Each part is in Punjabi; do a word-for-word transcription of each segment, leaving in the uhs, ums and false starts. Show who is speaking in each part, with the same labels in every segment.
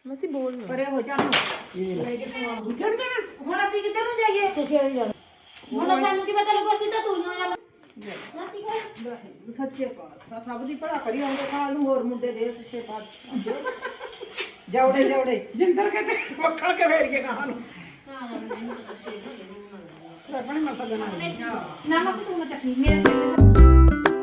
Speaker 1: ਮਸੀ ਬੋਲ ਨਾ
Speaker 2: ਪਰੇ ਹੋ ਜਾ
Speaker 1: ਹੁਣ ਅਸੀਂ ਕਿੱਧਰ ਨੂੰ ਜਾਈਏ ਤੁਸੀਂ ਆ ਜਾਓ ਹੁਣ ਸਾਨੂੰ ਕੀ ਪਤਾ ਲੱਗੋ ਅਸੀਂ ਤਾਂ ਤੁਰੀਆਂ ਜਾਣਾ ਮਸੀ ਕੋਲ
Speaker 2: ਸੱਚੇ ਪਾਤਸ਼ਾਹ ਸਭ ਦੀ ਭਲਾ ਕਰੀ ਆਉਂਦੇ ਖਾਲ ਨੂੰ ਹੋਰ ਮੁੰਡੇ ਦੇ ਸੱਚੇ ਪਾਤਸ਼ਾਹ ਜੌੜੇ ਜੌੜੇ ਜਿੰਦਰ ਕਹਿੰਦੇ ਮੱਖਣ ਕੇ ਫੇਰ ਕੇ ਖਾਣ ਨੂੰ ਆਪਣੇ ਮਸਲ ਬਣਾ
Speaker 1: ਨਾ ਮਸੀ ਤੂੰ ਚੱਕੀ ਮੇਰੇ ਸਿਰ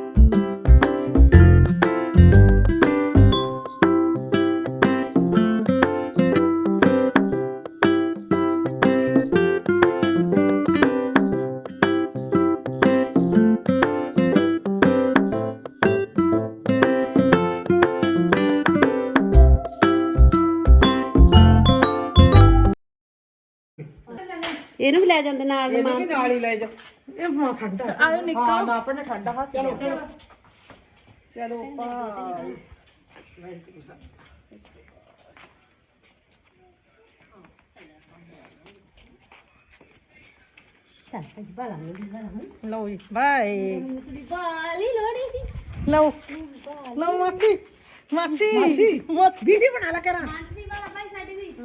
Speaker 1: ਇਹਨੂੰ ਵੀ ਲੈ ਜਾਂਦੇ ਨਾਲ
Speaker 2: ਇਹਨੂੰ ਵੀ ਨਾਲ ਹੀ ਲੈ ਜਾ ਇਹ ਮਾਂ ਠੰਡਾ
Speaker 1: ਆਇਓ ਨਿੱਕਾ
Speaker 2: ਹਾਂ ਨਾ ਆਪਣੇ ਠੰਡਾ ਹੱਥ ਚਲੋ ਚਲੋ ਚਲੋ ਭਾਈ
Speaker 1: ਚੱਲ ਭਾਈ ਬਾਲਾ ਨਹੀਂ ਬਾਲਾ
Speaker 2: ਲਓ ਜੀ ਬਾਏ
Speaker 1: ਬਾਲੀ ਲੋੜੀ
Speaker 2: ਲਓ ਲਓ ਮਾਸੀ ਮਾਸੀ ਮਾਸੀ ਵੀਡੀਓ ਬਣਾ ਲਾ ਕਰਾਂ
Speaker 1: ਮਾਨਸੀ ਵਾਲਾ ਭਾਈ ਸਾਡੇ ਵੀ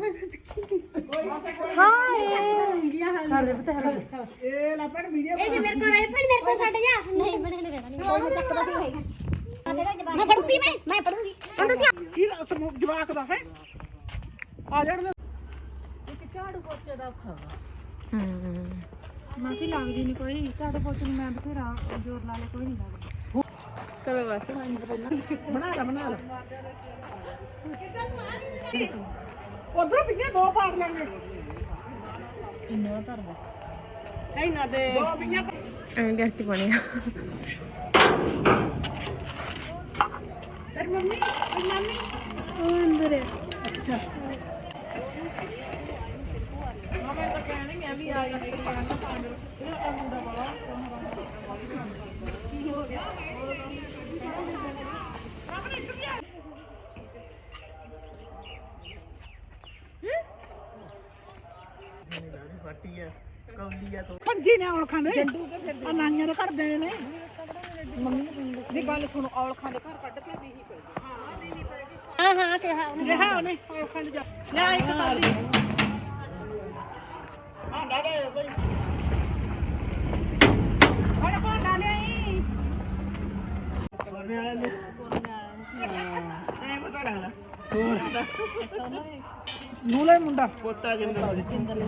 Speaker 2: ਹਾਏ ਇਹ ਲੱਪੜ ਵੀਡੀਓ
Speaker 3: ਇਹ ਜੀ ਮੇਰੇ ਕੋਲ ਆਈ ਭਾਈ ਮੇਰੇ ਕੋਲ ਛੱਡ ਜਾ ਨਹੀਂ ਬਣੇ ਨਹੀਂ ਰਹਿਣਾ ਨਹੀਂ ਕੋਈ ਤੱਕ ਦਾ ਨਹੀਂ ਹੋਏਗਾ ਮੈਂ ਪੜੂਗੀ ਮੈਂ ਮੈਂ ਪੜੂਗੀ ਹੁਣ ਤੁਸੀਂ
Speaker 2: ਕੀ ਸਮੂਹ ਜਵਾਕ ਦਾ ਹੈ ਆ ਜਾਣ ਦੇ ਇੱਕ ਝਾੜੂ ਪੋਚੇ ਦਾ ਔਖਾ ਵਾ
Speaker 1: ਮਾਸੀ ਲੱਗਦੀ ਨਹੀਂ ਕੋਈ ਝਾੜੂ ਪੋਚੇ ਨੂੰ ਮੈਂ ਬਥੇਰਾ ਜ਼ੋਰ ਲਾ ਲੈ ਕੋਈ ਨਹੀਂ ਲੱਗਦਾ ਚਲੋ ਬਸ
Speaker 2: ਬਣਾ ਲਾ ਬਣਾ ਲਾ ਉਧਰੋਂ ਪਿੱਛੇ ਦੋ ਪਾੜ ਲੈਣੇ
Speaker 1: ਇੰਨਾ ਧਰਦਾ
Speaker 2: ਨਹੀਂ ਨਾ ਦੇ ਦੋ ਪੀਆਂ
Speaker 1: ਐਂ ਕਰਕੇ ਬਣਿਆ
Speaker 2: ਤੇਰੀ ਮੰਮੀ ਤੇਰੀ ਮੰਮੀ
Speaker 1: ਉਹ ਅੰਦਰ ਹੈ
Speaker 2: ਅੱਛਾ ਮਾਮੇ ਤਾਂ ਕਹਿਣਾ ਨਹੀਂ ਆ ਵੀ ਆ ਗਈ ਕਿ ਪਾਣ ਨਾ ਪਾਣ ਇਹ ਮੁੰਡਾ ਵਾਲਾ ਕੀ ਹੋ ਗਿਆ ਪੰਜੀ ਨੇ ਔਲਖਾਂ ਦੇ ਆ ਨਾਈਆਂ ਦੇ ਘਰ ਦੇਣੇ ਨੇ ਮੰਮੀ ਗੱਲ ਸੁਣੋ ਔਲਖਾਂ ਦੇ ਘਰ ਕੱਢ ਕੇ ਵੀ ਹੀ ਪੈ ਹਾਂ ਵੀ ਨਹੀਂ ਪੈ ਗਈ ਹਾਂ ਹਾਂ ਕਿਹਾ ਉਹਨੇ ਰਿਹਾ ਉਹਨੇ ਔਲਖਾਂ ਦੇ ਜਾ ਲੈ ਇੱਕ ਤਾਲੀ ਭਾਂਡਾ ਲੈ ਬਈ ਬੜਾ ਭਾਂਡਾ ਲਿਆਈ ਕੋਨੇ ਵਾਲੇ ਨੂੰ ਐ ਪਤਾ ਲੱਗਦਾ ਹੋਰ ਨੂਲੇ ਮੁੰਡਾ ਪੋਤਾ ਜਿੰਦਾ ਜਿੰਦਰ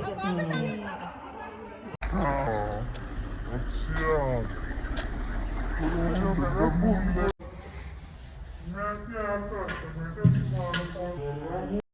Speaker 4: मैं क्या करता मैं